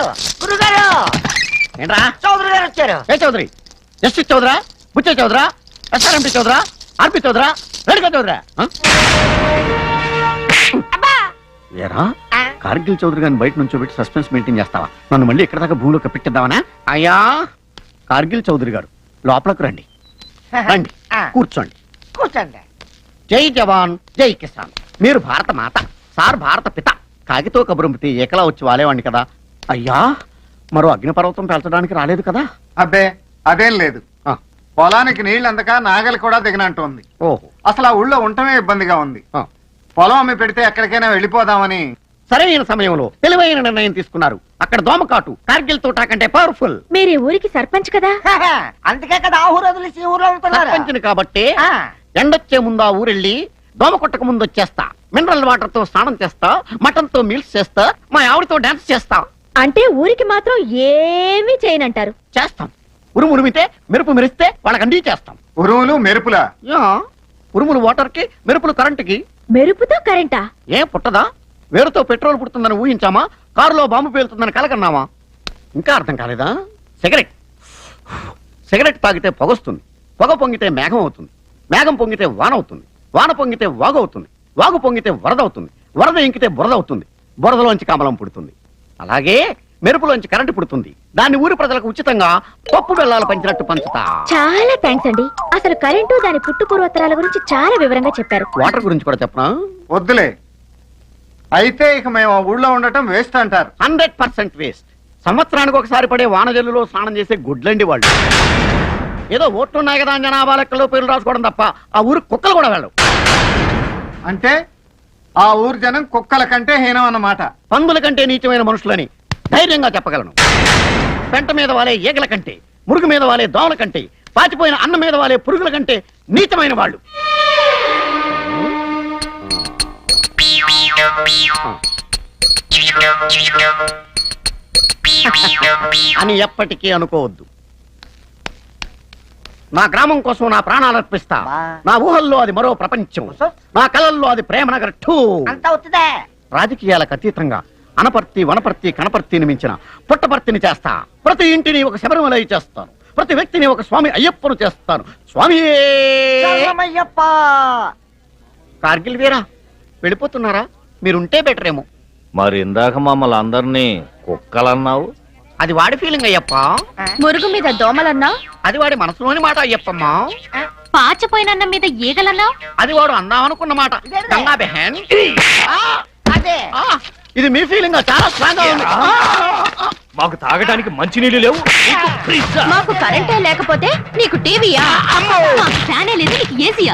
గురుగారు ఏంట్రా చౌదరి గారు వచ్చారు. ఏ చౌదరి? జస్టిస్ చౌదరా, బుచ్చే చౌదరా, ఎస్ఆర్ఎంపీ చౌదరా, ఆర్పి చౌదరా, రెడ్గా చౌదరా? ఏరా కార్గిల్ చౌదరి గారిని బయట నుంచి పెట్టి సస్పెన్స్ మెయింటైన్ చేస్తావా? నన్ను మళ్ళీ ఇక్కడ దాకా భూమిలో కప్పెట్టిద్దామనా? అయ్యా కార్గిల్ చౌదరి గారు లోపలకు రండి. రండి కూర్చోండి. కూర్చోండి. జై జవాన్ జై కిసాన్. మీరు భారత మాత, సార్ భారత పిత. కాగితో కబురంపితే ఏకలా వచ్చి వాలేవాడిని కదా. అయ్యా మరో అగ్నిపర్వతం పెంచడానికి రాలేదు కదా? అబ్బే అదేం లేదు. పొలానికి నీళ్ళు అందక నాగలి కూడా దిగనంటోంది. ఓహో, అసలు ఆ ఊళ్ళో ఉండటమే ఇబ్బందిగా ఉంది. ఆ. పొలం అమ్మి పెడితే ఎక్కడికైనా వెళ్ళిపోదామని. సరైన సమయంలో తెలివైన నిర్ణయం తీసుకున్నారు. అక్కడ దోమకాటు కార్గిల్ తోటా కంటే పవర్ఫుల్. మీరు ఊరికి సర్పంచ్ కదా? అందుకే కదా ఆ ఊరు వదిలేసి ఊర్లో ఉంటున్నారు. సర్పంచిని కాబట్టి ఆ. ఎండొచ్చే ముందు ఆ ఊరెళ్ళి దోమ కొట్టక ముందు వచ్చేస్తా. మినరల్ వాటర్ తో స్నానం చేస్తా, మటన్ తో మీల్స్ చేస్తా, మా ఆవిడతో డాన్స్ చేస్తా. అంటే ఊరికి మాత్రం ఏమీ చేయనంటారు. చేస్తాం. ఉరుము ఉరిమితే మెరుపు మెరిస్తే వాళ్ళకి అండి చేస్తాం. ఉరువులు మెరుపులా? యా, ఉరుములు వాటర్ కి, మెరుపులు కరెంటుకి. మెరుపుతో కరెంటా? ఏం పుట్టదా? వేరుతో పెట్రోల్ పుడుతుందని ఊహించామా? కారులో బాంబు పేలుతుందని కలకన్నామా? ఇంకా అర్థం కాలేదా? సిగరెట్ సిగరెట్ తాగితే పొగొస్తుంది, పొగ పొంగితే మేఘం అవుతుంది, మేఘం పొంగితే వాన అవుతుంది, వాన పొంగితే వాగు అవుతుంది, వాగు పొంగితే వరద అవుతుంది, వరద ఇంకితే బురద అవుతుంది, బురదలోంచి కమలం పుడుతుంది. అలాగే మెరుపులోంచి కరెంటు పుడుతుంది. దాన్ని ఊరి ప్రజలకు ఉచితంగా పప్పు బెల్లాలు పంచినట్టు పంచుతా. చాలా థ్యాంక్స్ అండి. అసలు కరెంటు దాని పుట్టు పూర్వోత్తరాల గురించి చాలా వివరంగా చెప్పారు. వాటర్ గురించి కూడా చెప్పనా? వద్దులే. అయితే ఇక మేము ఆ ఊళ్ళో ఉండటం వేస్ట్ అంటారు. 100% వేస్ట్. సంవత్సరానికి ఒకసారి పడే వానజల్లులో స్నానం చేసే గుడ్లండి వాళ్ళు. ఏదో ఓట్లున్నాయి కదా అని జనాభా లెక్కలో పేర్లు రాసుకోవడం తప్ప ఆ ఊరు కుక్కలు కూడా వెళ్ళవు. అంటే ఆ ఊరు జనం కుక్కల కంటే హీనం అన్నమాట. పందుల కంటే నీచమైన మనుషులని ధైర్యంగా చెప్పగలను. పెంట మీద వాలే ఈగల కంటే, మురుగు మీద వాలే దోమల కంటే, పాచిపోయిన అన్నం మీద వాలే పురుగుల కంటే నీచమైన వాళ్ళు అని ఎప్పటికీ అనుకోవద్దు. నా గ్రామం కోసం నా ప్రాణాలు అర్పిస్తా. నా ఊహల్లో అది మరో ప్రపంచం, నా కళల్లో అది ప్రేమనగర్ 2. అంతా అవుతుందే. రాజకీయాలకు అతీతంగా అనపర్తి, వనపర్తి, కనపర్తిని మించిన పుట్టపర్తిని చేస్తా. ప్రతి ఇంటిని ఒక శబరిమలై చేస్తాను. ప్రతి వ్యక్తిని ఒక స్వామి అయ్యప్పను చేస్తాను. స్వామి శరణమయ్యప్ప. కార్గిల్ వీరా వెళ్ళిపోతున్నారా? మీరుంటే బెటర్ ఏమో. మరి ఇందాక మమ్మల్ని అందరినీ కుక్కలన్నావు. అది వాడి ఫీలింగ్ అయ్యప్ప. మురుగు మీద దోమలన్నా? అది వాడి మనసులోని మాట అయ్యప్పమ్మా. పాచిపోయిన మీద ఈగలన్నా? అది వాడు అందామనుకున్న మాట. గంగా బెహన్. అదే ఇది మీ ఫీలింగ్ చాలా స్ట్రాంగ్ గా ఉంది. మాకు తాగడానికి మంచినీళ్ళు లేవు. మాకు కరెంటే లేకపోతే నీకు టీవీయా? మాకు ఫ్యానే లేదు, నీకు ఏసీయా?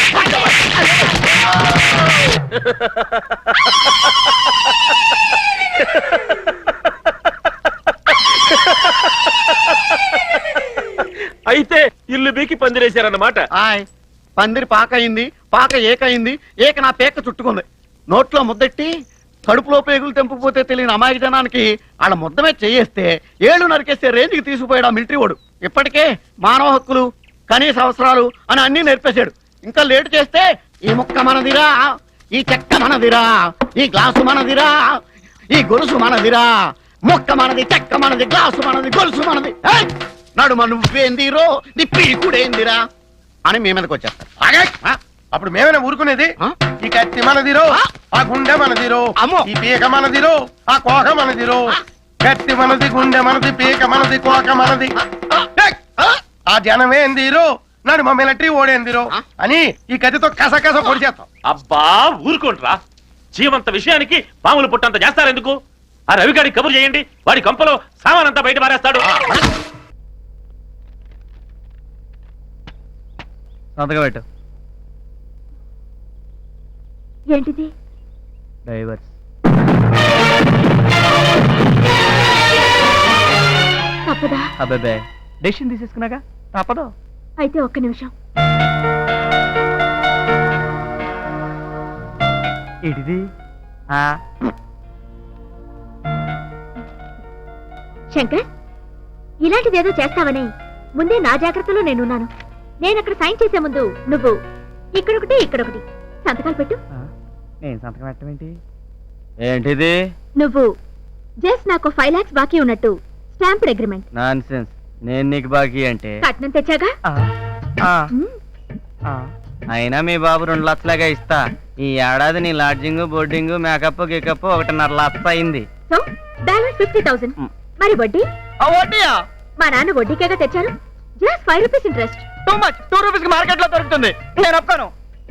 అయితే ఇల్లు బీకి పందిరేశారన్నమాట. పందిరి పాక అయింది, పాక ఏకయింది, ఏక నా పేక చుట్టుకుంది. నోట్లో ముద్దెట్టి కడుపులో పేగులు తెంపుకుపోతే తెలియని అమాయక జనానికి వాళ్ళ ముద్దమే చేయేస్తే ఏళ్ళు నరికేసే రేంజ్కి తీసుకుపోయాడు ఆ మిలిటరీ వాడు. ఇప్పటికే మానవ హక్కులు, కనీస అవసరాలు అని అన్ని నేర్పేశాడు. ఇంకా లేటు చేస్తే ఈ ముక్క మనదిరా, ఈ చెక్క మనదిరా, ఈ గ్లాసు మనదిరా, ఈ గొలుసు మనదిరా, ముక్క మనది, చెక్క మనది, గ్లాసు మనది, గొలుసు మనది, నడుమ నువ్వేందిరో నీ పీకుడేందిరా అని మీ మీదకి వచ్చేస్తారు. అప్పుడు మేమైనా ఊరుకునేది? ఈ కత్తి మనదిరో, ఆ గుండె మనదిరో, ఈ పీక మనదిరో, ఆ కోక మనదిరో. కత్తి మనది, గుండె మనది, పీక మనది, కోక మనది. ఆ జనమేందిరో, నడు మా మిలిటరీ ఓడేందిరో అని ఈ కత్తితో కసకస పొడి చేస్తాం. అబ్బా ఊరుకోండ్రా. జీవంత విషయానికి పాములు పుట్టంత చేస్తారెందుకు? ఆ రవిగాడి కబురు చేయండి, వాడి కంపలో సామానంతా బయట పారేస్తాడు. పెట్టు. ఏంటిది? డైవర్స్. తప్పదా? అబ్బాబే డెసిషన్ తీసేసుకున్నాగా తప్పదు. అయితే ఒక్క నిమిషం. ఏంటిది? శంకర్, ఇలాంటిదేదో చేస్తావని ముందే నా జాగ్రత్తలో నేనున్నాను. నేనక్కడ సైన్ చేసే ముందు నువ్వు ఇక్కడొకటి ఇక్కడొకటి సంతకాలు పెట్టు. నేను సంతకం పెట్టమేంటి? ఏంటిది? నువ్వు జస్ట్ నాకు 5 lakhs బాకీ ఉన్నట్టు స్టాంప్డ్ అగ్రిమెంట్. నాన్సెన్స్. నేను నీకు బాకీ అంటే కట్నం తెచ్చాగా. మ్మ్. అయినా మీ బాబు 2 లక్షలాగా ఇస్తా. ఈ ఏడాది నీ లాడ్జింగ్ బోర్డింగ్ మేకప్ గికప్ 1.5 లక్ష అయింది. So balance 50,000. మరి వడ్డీ? మా నాన్న వడ్డీకేగా తెచ్చారు. Just 5 rupees interest. Too much. 2 rupees కి మార్కెట్ లో దొరుకుతుంది. నేను ఒప్పుకోను.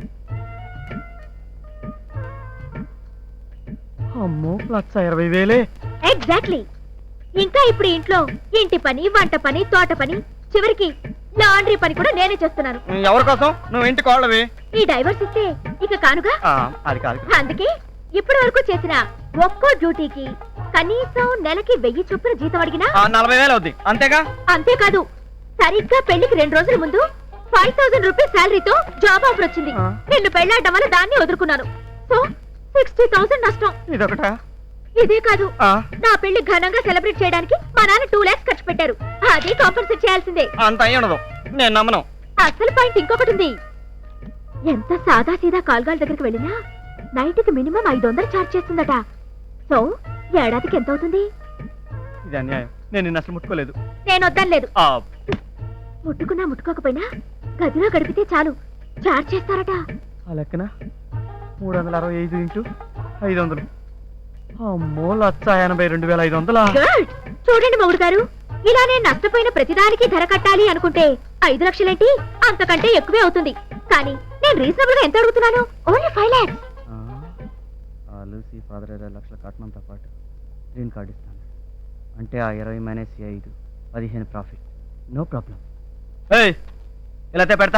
అమ్మో 1,20,000. ఎగ్జాక్ట్లీ. ఇంకా ఇప్పుడు ఇంట్లో ఇంటి పని, వంట పని, తోట పని, చివరికి లాండ్రీ పని కూడా నేనే చేస్తున్నాను. ఎవరి కోసం? నువ్వు ఇంటికి వాళ్ళవి. ఈ డైవర్స్ ఇస్తే ఇక కానుగా. అది కాదు. అందుకే ఇప్పటి వరకు చేసిన ఒక్కో డ్యూటీకి కనీసం నెలకి 1000 చొప్పున జీతం అడిగినా 40,000 అవుద్ది. అంతేగా? అంతేకాదు, సరిగ్గా పెళ్లికి 2 రోజుల ముందు 5,000 రూపీస్ శాలరీతో జాబ్ ఆఫర్ వచ్చింది. నిన్ను పెళ్లాడడం వల్ల దాన్ని వదులుకున్నాను. సో 60,000 నష్టం. ఇదొకటా? ఇదే కాదు, నా పెళ్లి ఘనంగా సెలబ్రేట్ చేయడానికి మా నాన్న 2 lakhs ఖర్చు పెట్టారు. అది కాంపన్సేట్ చేయాల్సిందే. అంత అయ్యి ఉండదు. నేను నమ్మను. అసలు పాయింట్ ఇంకొకటి ఉంది. ఎంత సాదా సీదా కాల్గాల దగ్గరికి వెళ్ళినా నైట్ కి మినిమం 500 ఛార్జ్ చేస్తుందట. సో ఏడాదికి ఎంత అవుతుంది? ఇది అన్యాయం. నేను నిన్ను అసలు ముట్టుకోలేదు. నేను వద్దనలేదు. ముట్టుకున్నా ముట్టుకోకపోయినా గదిలో గడిపితే చాలు ఛార్జ్ చేస్తారట. ఆ లెక్కన 365 ఇంటూ 500. అమ్మో 1,82,500. గుడ్. చూడండి మొగుడు గారు, ఇలా నేను నష్టపోయిన ప్రతిదానికి ధర కట్టాలి అనుకుంటే 5 లక్షలేంటి, అంతకంటే ఎక్కువే అవుతుంది. కానీ నేను రీజనబుల్ గా ఎంత అడుగుతున్నాను? Only 5 lakhs. లూసీ ఫాదర్ 20 లక్షల కట్నంతో పాటు గ్రీన్ కార్డ్ ఇస్తాను. అంటే ఆ 20 మైనస్ 5 15 ప్రాఫిట్. No problem. ఇలా పెడతా.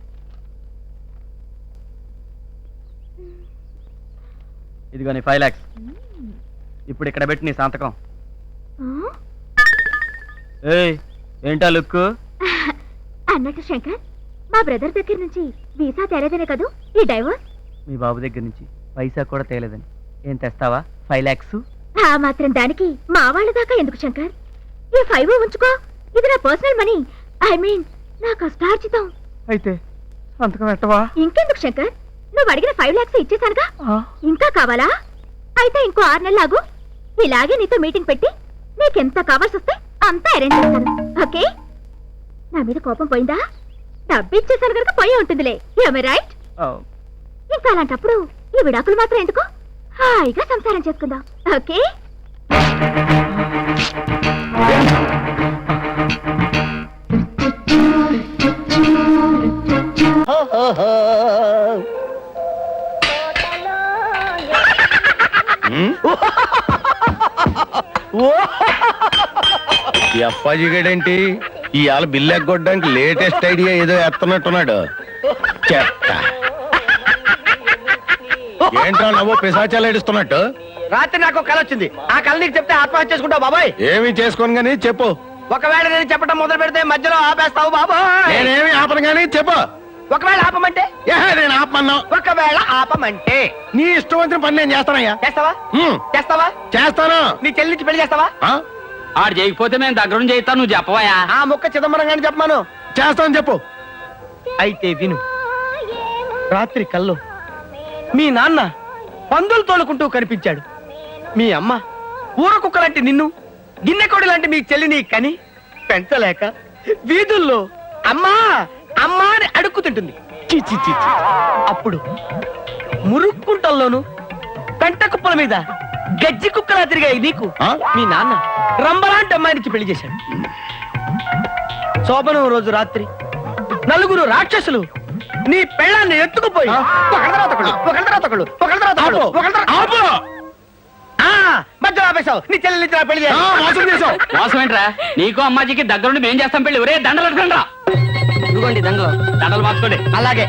ఇదిగో నీ 5 lakhs. ఇప్పుడు ఇక్కడ పెట్టి నీ సంతకం. ఏంటా లుక్? అన్నట్టు శంకర్, మా బ్రదర్ దగ్గర నుంచి వీసా తేలేదనే కదూ ఈ డైవర్స్? మీ బాబు దగ్గర నుంచి పైసా కూడా తేలేదని. ఏం తెస్తావా? 5 lakhs. ఆ మాత్రం దానికి మా వాళ్ళ దాకా ఎందుకు శంకర్? ఈ 5 ఉంచుకో. ఇది నా పర్సనల్ మనీ. ఐ మీన్ నా కష్టార్జితం. అయితే సంతకం పెట్టవా? ఇంకెందుకు శంకర్, నువ్వు అడిగిన 5 lakhs ఇచ్చేసానుగా. ఇంకా కావాలా? అయితే ఇంకో 6 నెలలు ఆగు. ఇలాగే నీతో మీటింగ్ పెట్టి నీకెంత కావాల్సి వస్తే అంతా అరేంజ్ చేస్తాను. ఓకే? నా మీద కోపం పోయిందా? డబ్బు ఇచ్చేసాను కనుక పోయే ఉంటుందిలే. రైట్? ఇంకా అలాంటప్పుడు ఈ విడాకులు మాత్రం ఎందుకు? హాయిగా సంసారం చేసుకుందాం. ఓకే? ఈ అప్పాజీ గడేంటి ఇవాళ బిల్లు ఎగ్గొట్టడానికి లేటెస్ట్ ఐడియా ఏదో ఎత్తనట్టున్నాడు. చెత్త. ఏంట్రా నవ్వు పిశాచాలు ఏడుస్తున్నట్టు? రాత్రి నాకు కళ వచ్చింది. ఆ కళ నీకు చెప్తే ఆత్మహత్య చేసుకుంటావు బాబాయ్. ఏమి చేసుకోను గానీ చెప్పు. ఒకవేళ నేను చెప్పడం మొదలు పెడితే మధ్యలో ఆపేస్తావు బాబాయ్. నేనేమి ఆపను గానీ చెప్పు. ఒకవేళ ఆపమంటే? నేను ఆపమన్నా. ఒకవేళ ఆపమంటే నీ ఇష్టం వచ్చిన పని నేను చేస్తానయ్యా. చేస్తావా? చేస్తావా? చేస్తాను. నీ చెల్లించి పెళ్లి చేస్తావా? ఆడు చేయకపోతే మేము దగ్గరుండి చేయిస్తాను. నువ్వు చెప్పవయా? ఆ ముక్క చిదంబరం గాని చెప్పమాను. చేస్తాను చెప్పు. అయితే విను. రాత్రి కల్లో మీ నాన్న పందులు తోలుకుంటూ కనిపించాడు. మీ అమ్మ ఊర కుక్క లాంటి నిన్ను, గిన్నెకోడి లాంటి మీ చెల్లిని కని పెంచలేక వీధుల్లో అమ్మా అమ్మా అని అడుక్కుతుంటుంది. చి చి చి చి. అప్పుడు మురుక్కుంటల్లోను పెంట కుప్పల మీద గజ్జి కుక్కలా తిరిగాయి నీకు మీ నాన్న రంబలాంటి అమ్మాయినికి పెళ్లి చేశాడు. శోభనం రోజు రాత్రి 4 రాక్షసులు నీ పెళ్ళాన్ని ఎత్తుకుపోయి మధ్యలో ఆపేశావు. నీ చెల్లి పెళ్లి చేశావు. మోసం ఏంట్రా? నీకు అమ్మాజీకి దగ్గరుండి మేం చేస్తాం పెళ్లి. ఒరే దండలు అడగండి రా. ఇదిగోండి దండలు. దండలు మార్చుకోండి. అలాగే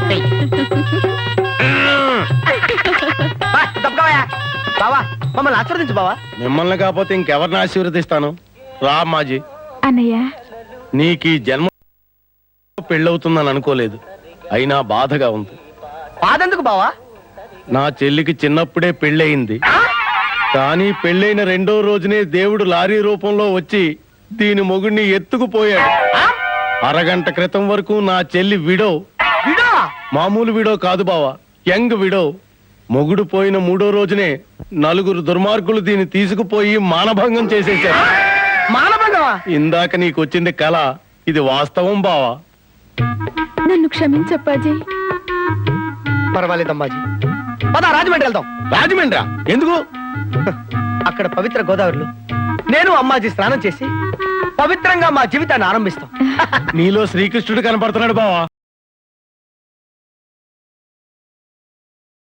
బావా, మమ్మల్ని ఆశీర్వదించు బావా. మిమ్మల్ని కాకపోతే ఇంకెవరిని ఆశీర్వదిస్తాను? రా మాజీ. అన్నయ్య, నీకు ఈ జన్మ పెళ్ళవుతుందని అనుకోలేదు. అయినా బాధగా ఉంది. బాధెందుకు బావా? నా చెల్లికి చిన్నప్పుడే పెళ్ళయింది. కానీ పెళ్ళైన 2వ రోజునే దేవుడు లారీ రూపంలో వచ్చి దీని మొగుడిని ఎత్తుకుపోయాడు. అరగంట క్రితం వరకు నా చెల్లి విడో. విడో? మామూలు విడో కాదు బావా, యంగ్ విడో. మొగుడు పోయిన 3వ రోజునే నలుగురు దుర్మార్గులు దీన్ని తీసుకుపోయి మానభంగం చేసేశారు. మానభంగమా? ఇందాక నీకొచ్చింది కళ, ఇది వాస్తవం బావా. నన్ను క్షమించప్పాజీ. పర్వాలేదు అమ్మాజీ, పద రాజమండ్రి వెళ్దాం. రాజమండ్రా? ఎందుకు? అక్కడ పవిత్ర గోదావరిలో నేను అమ్మాజీ స్నానం చేసి పవిత్రంగా మా జీవితాన్ని ఆరంభిస్తాం. నీలో శ్రీకృష్ణుడు కనపడుతున్నాడు బావా.